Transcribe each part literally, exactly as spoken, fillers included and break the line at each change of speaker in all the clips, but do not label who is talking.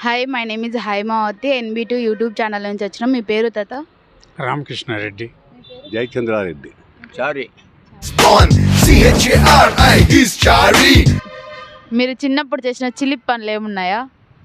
Hi, my name is Haimavathi. NB two YouTube channel నుంచి వచ్చినాం. మీ పేరు తాత?
రామకృష్ణారెడ్డి.
జయచంద్రారెడ్డి.
చారి.
మీరు చిన్నప్పుడు చేసిన చిలిప్ పనులు ఏమున్నాయా?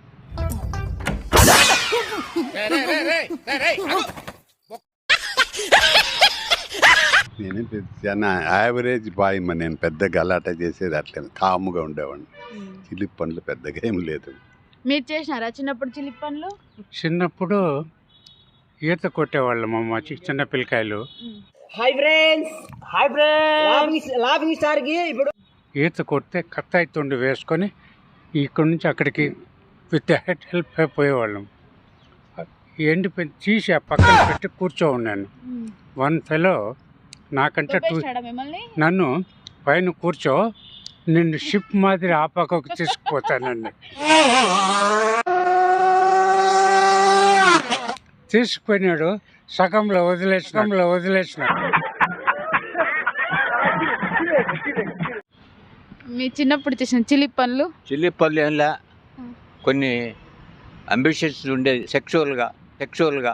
నేను చిన్న యావరేజ్ బాయ్ మా, నేను పెద్ద గలాట చేసేది అట్లే కాముగా ఉండేవాడిని. చిలిప్ పనులు పెద్దగా ఏం లేదు.
మీరు చేసినారా చిన్నప్పుడు చిలిప్ పనులు?
చిన్నప్పుడు ఈత కొట్టేవాళ్ళం అమ్మ, చిన్న పిల్లకాయలు.
Hi friends, hi friends. Laughing star కి ఇప్పుడు
ఈత కొడితే కత్తాయి తుండి వేసుకొని ఇక్కడి నుంచి అక్కడికి విత్ హెల్ప్ అయిపోయేవాళ్ళం. ఎండిపోయి తీసి ఆ పక్కన పెట్టి కూర్చో ఉన్నాను. వన్ ఫెలో నాకంటే టూ నన్ను పైన కూర్చో, నిన్ను షిప్ మాదిరి ఆ పక్కకు తీసుకుపోతానండి. తీసుకుపోయినాడు, సగంలో వదిలేసిన సగంలో వదిలేసిన
మీ చిన్నప్పుడు చేసిన చిలిప్ పనులు?
చిల్లి పళ్ళు ఏంలా కొన్ని అంబిషన్స్ ఉండేది సెక్చువల్గా సెక్చువల్గా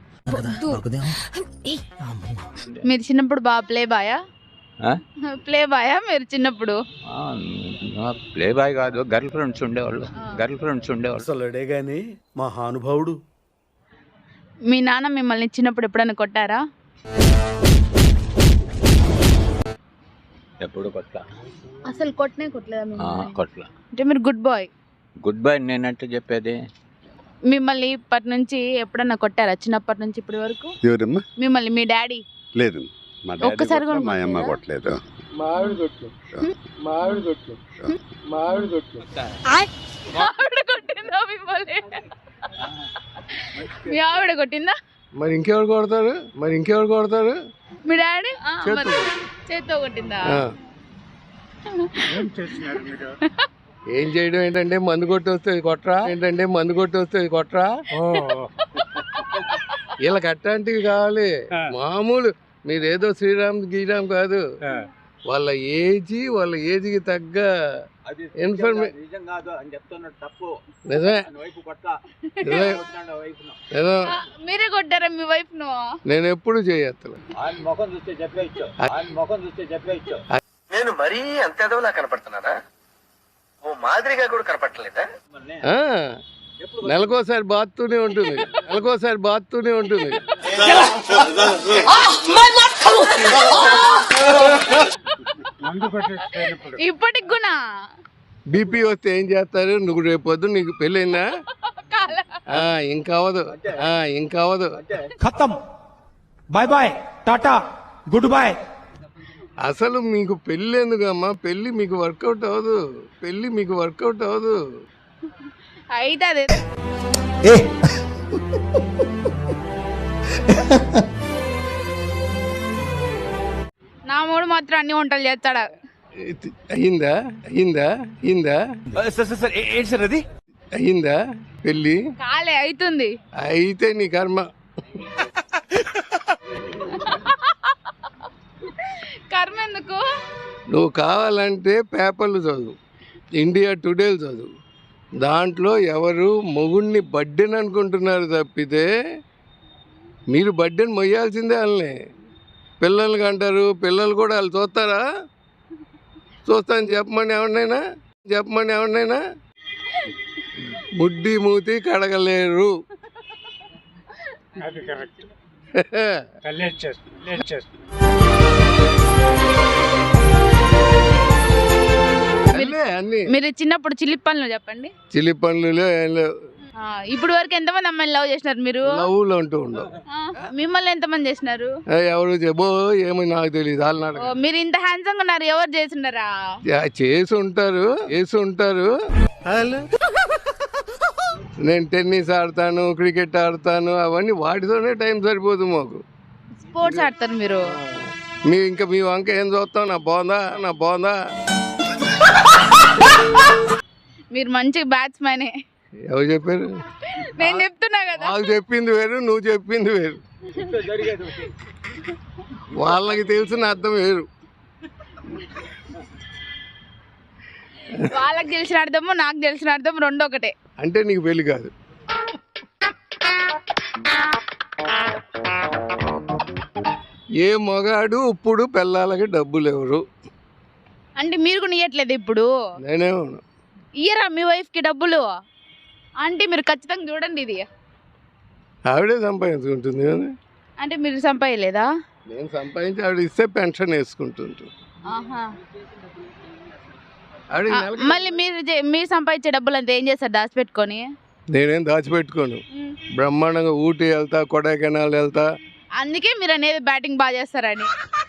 మీరు చిన్నప్పుడు బాగా ప్లే బాయా? ప్లే బాయా మీరు చిన్నప్పుడు?
ప్లే బాయ్ కాదు, గర్ల్ ఫ్రెండ్స్ ఉండేవాళ్ళు. గర్ల్ ఫ్రెండ్స్ ఉండేవాళ్ళు.
అసలుడే గాని మహానుభావుడు.
మీ నాన్న మిమ్మల్ని చిన్నప్పుడు ఎప్పుడైనా కొట్టారా?
ఎప్పుడు కొట్ల
అసలు కొట్టనే కొట్టలేదా?
కొట్ల
అంటే మీరు గుడ్ బాయ్.
గుడ్ బాయ్ నేనంటే చెప్పేది.
మిమ్మల్ని ఇప్పటి నుంచి ఎప్పుడన్నా కొట్టారా చిన్నప్పటి నుంచి ఇప్పటి వరకు?
ఎవరమ్మా?
మిమ్మల్ని మీ డాడీ?
లేదు, మా డాడీ
ఒక్కసారి కూడా
కొట్టలేదు, మా అమ్మ కొట్టలేదు.
మావిడి కొట్టు మావిడి కొట్టు మావిడి కొట్టు
ఆవిడ కొట్టిందా మిమ్మల్ని? మీ ఆవిడ కొట్టిందా?
మరి ఇంకెవరు కొడతారు? మరి ఇంకెవరు కొడతారు?
మీ డాడీ
చేత్తో.
చేత్తో కొట్టిందా?
ఆ.
ఏం చేసినారు మీరు?
ఏం చేయడం ఏంటంటే మందు కొట్టి వస్తుంది కొట్రా, ఏంటంటే మందు కొట్టి వస్తుంది కొట్రా.
ఓ
వీళ్ళకి అట్లాంటివి కావాలి.
ఆ.
మామూలు మీరేదో శ్రీరామ్ గీరామ్ కాదు,
ఆ,
వాళ్ళ ఏజీ వాళ్ళ ఏజ్కి తగ్గ ఇన్ఫర్మేషన్.
నిజం కాదు అని చెప్తున్నాడు, తప్పు.
నిజమే
వైపు కొట్ల
నిజమే నిజం.
మీరే కొట్టారా మీ వైఫ్ ను?
నేను ఎప్పుడు చేయత్తను.
ఆయన ముఖం చూస్తే చెప్పేయచ్చు, ఆయన ముఖం చూస్తే చెప్పేయచ్చు.
నేను మరీ అంత ఎదవలా కనపడుతున్నారా? ఓ మాదిరిగా కూడా కనపడలేదా?
ఆ, నెలకోసారి బాత్తూనే ఉంటుంది, నెలకోసారి బాత్తూనే ఉంటుంది.
మందు కొట్టేసినప్పుడు
ఇప్పటికి కూడా
బీపీ వస్తే ఏం చేస్తారు? నువ్వు రేపు పొద్దు నీకు పెళ్ళైందా? ఆ, ఇంకా అవదు, ఆ, ఇంకా అవదు.
खत्म bye bye tata good bye.
అసలు మీకు పెళ్ళి ఎందుకమ్మా? పెళ్ళి మీకు వర్కౌట్ అవ్వదు, పెళ్ళి మీకు వర్కౌట్ అవ్వదు.
అయితే అదే నా మూడు మాత్రం అన్ని వంటలు చేస్తాడా?
అయిందా అయిందా అయిందా అయిందా పెళ్ళి?
కాలే, అవుతుంది.
అయితే నీ కర్మ.
కర్మ ఎందుకు?
నువ్వు కావాలంటే పేపర్లు చదువు, ఇండియా టుడేలు చదువు. దాంట్లో ఎవరు మొగుడిని బడ్డెన్ అనుకుంటున్నారు తప్పితే మీరు బడ్డెన్ మొయ్యాల్సిందే. వాళ్ళని పిల్లలకి అంటారు, పిల్లలు కూడా వాళ్ళు చూస్తారా? చూస్తాను చెప్పమని ఎవరినైనా చెప్పమని ఎవరినైనా ముడ్డి మూతి కడగలేరు.
అది కరెక్ట్. లేట్ చేస్తుంది లేట్ చేస్తుంది
అన్నీ అన్నీ
మీరు చిన్నప్పుడు చిలిప్ పనులు చెప్పండి.
చిలి పనులు ఏం లేవు.
ఆ, ఇప్పుడు వరకు ఎంతమంది అమ్మాయిని లవ్ చేసినారు మీరు?
లవ్లు అంటూ ఉండవు.
ఆ, మిమ్మల్ని ఎంతమంది చేసినారు?
ఏ, ఎవరు చెప్పో ఏమో నాకు తెలియదు. వాళ్ళు
ఓ,
నాటకం
మీరు ఇంత హ్యాండ్సమ్ ఉన్నారు, ఎవరు చేసిండరా?
చేసి ఉంటారు చేసి ఉంటారు నేను టెన్నిస్ ఆడతాను, క్రికెట్ ఆడతాను, అవన్నీ వాటితోనే టైం సరిపోదు మాకు.
స్పోర్ట్స్ ఆడతారు మీరు?
మీ ఇంకా మీ వంక ఏం చూస్తాం? నా బాగుందా నా బాగుందా?
మీరు మంచి బ్యాట్స్మెన్.
ఎవరు చెప్పారు?
నేను చెప్తున్నా కదా.
నాకు చెప్పింది వేరు, నువ్వు చెప్పింది వేరు. వాళ్ళకి తెలిసిన అర్థం వేరు.
వాళ్ళకి తెలిసిన అర్థము నాకు తెలిసిన అర్థం రెండు ఒకటే.
అంటే నీకు పెళ్లి కాదు. ఏ మగాడు ఇప్పుడు పిల్లలకి డబ్బులు ఎవరు?
అంటే మీరు కూడా ఇయ్యట్లేదు ఇప్పుడు?
నేనే
ఇయ్యరా మీ వైఫ్కి డబ్బులు? అంటే మీరు ఖచ్చితంగా చూడండి, ఇది
ఆవిడే సంపాదించుకుంటుంది కదా.
అంటే మీరు సంపాదలేదా?
నేను సంపాదించి ఆవిడ ఇస్తే పెన్షన్ వేసుకుంటుంటు.
ఆహా.
ఆవిడ
ఆ,
నెలకి-
మళ్ళీ మీరు చే- మీరు సంపాదించే డబ్బులు అంతా ఏం చేస్తారు? దాచిపెట్టుకొని?
నేనేం దాచిపెట్టుకోను. బ్రహ్మాండంగా ఊటీ వెళ్తా, కొడైకెనాల్ వెళ్తా.
అందుకే మీరు అనేది బ్యాటింగ్ బాగా చేస్తారని.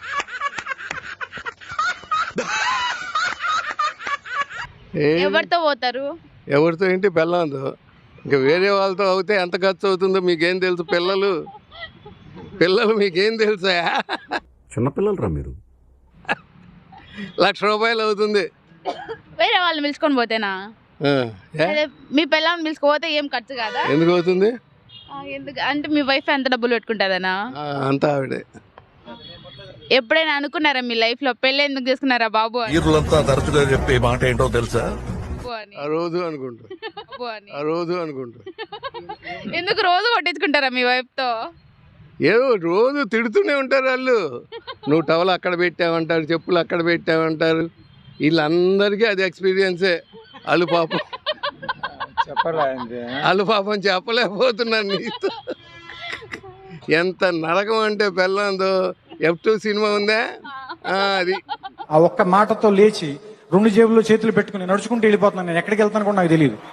ఏ
ఎవరితో పోతారు?
ఎవరితో ఏంటి పెళ్ళందో. ఇంకా వేరే వాళ్ళతో అవుతే ఎంత ఖర్చు అవుతుందో మీకేం తెలుసు? పిల్లలు పిల్లలు మీకేం తెలుసా?
చిన్నపిల్లలు రా మీరు.
లక్ష రూపాయలు అవుతుంది.
వేరే వాళ్ళని పిలుచుకొని పోతేనా?
ఆ, ఏ?
అదే మీ పిల్లల్ని పిలుచుకోపోతే ఏం ఖర్చు కాదా?
ఎందుకు అవుతుంది?
ఆ, ఎందుకు అంటే మీ వైఫ్ ఎంత డబ్బులు పెట్టుకుంటుందనా?
ఆ, అంతా ఆవిడే.
ఎప్పుడైనా అనుకున్నారా మీ లైఫ్ లో పెళ్ళి ఎందుకు చేసుకున్నారా బాబు అని?
ఈరులంతా తరచుగా చెప్పే మాట ఏంటో తెలుసా?
బాబు అని,
ఆ రోజు అనుకుంటా
బాబు అని.
ఆ రోజు అనుకుంటా
ఎందుకు రోజు కొట్టించుకుంటారా మీ వైఫ్ తో?
ఏదో రోజు తిడుతూనే ఉంటారు వాళ్ళు. నువ్వు టవల్ అక్కడ పెట్టావంటారు, చెప్పులు అక్కడ పెట్టావంటారు. వీళ్ళందరికీ అది ఎక్స్పీరియన్సే. వాళ్ళు పాపం
చెప్పరా
వాళ్ళు పాపం చెప్పలేకపోతున్నారు నీతో. ఎంత నరకం అంటే పెళ్ళందో. ఎఫ్ టూ సినిమా ఉందా? ఆ, అది
ఆ ఒక్క మాటతో లేచి రెండు జేబుల్లో చేతులు పెట్టుకుని నడుచుకుంటూ వెళ్ళిపోతున్నాను. నేను ఎక్కడికి వెళ్తాను కూడా నాకు తెలియదు.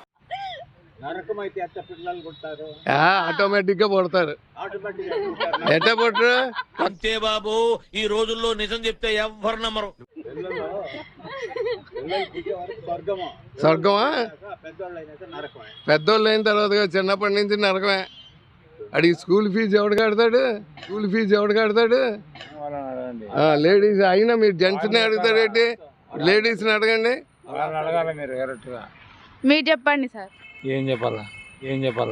ఆటోమేటిక్ గా పడతారు. ఎట్ట పట్టరు?
అంతే బాబు, ఈ రోజుల్లో నిజం చెప్తే ఎవ్వరు నమ్మరు.
స్వర్గమా? పెద్దోళ్ళు అయిన తర్వాత కాదు, చిన్నప్పటి నుంచి నరకమే. అడిగి స్కూల్ ఫీజు ఎవడు కడతాడు? స్కూల్ ఫీజు ఎవడు కడతాడు? లేడీస్ అయినా మీరు జెంట్స్ని అడుగుతారేంటి? లేడీస్ని అడగండి.
అడగాలి మీరు కరెక్ట్గా.
మీరు చెప్పండి సార్.
ఏం చెప్పాలా ఏం చెప్పాలా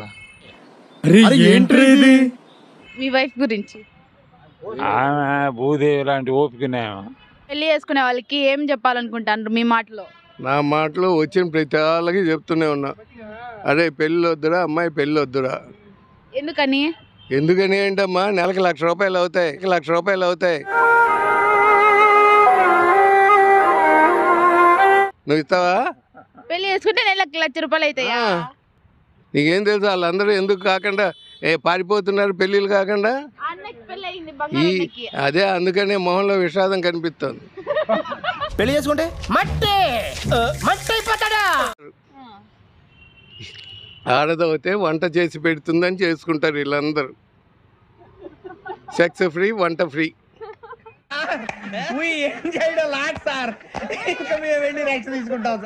మీ వైఫ్ గురించి.
ఆమె భూదేవి లాంటి ఓపికనేమో.
పెళ్లి చేసుకునే వాళ్ళకి ఏం చెప్పాలనుకుంటారు మీ మాటలో?
నా మాటలో వచ్చిన ప్రతి వాళ్ళకి చెప్తూనే ఉన్నా, అరే పెళ్ళి వద్దురా అమ్మాయి, పెళ్ళి వద్దురా.
ఎందుకని?
ఎందుకని ఏంటమ్మా, నెలకి లక్ష రూపాయలు అవుతాయి, లక్ష రూపాయలు అవుతాయి. నువ్వు ఇస్తావా?
పెళ్లి చేసుకుంటే నెలకు లక్ష రూపాయలు అవుతాయా?
నీకేం తెలుసు వాళ్ళందరూ ఎందుకు కాకుండా ఏ పారిపోతున్నారు పెళ్ళిళ్ళు కాకుండా?
అన్నకి పెళ్లి అయింది,
ఈ
బంగారు అన్నకి.
అదే అందుకనే మొహంలో విషాదం కనిపిస్తుంది.
పెళ్లి చేసుకుంటే మట్టి మట్టి అయిపోతాడా?
ఆడదవుతే వంట చేసి పెడుతుందని చేసుకుంటారు వీళ్ళందరూ. సెక్స్ ఫ్రీ, వంట ఫ్రీ.
ఏం చేయడం లాట్ సార్, ఇంకా మేము వెళ్ళి రైట్స్ తీసుకుంటాం.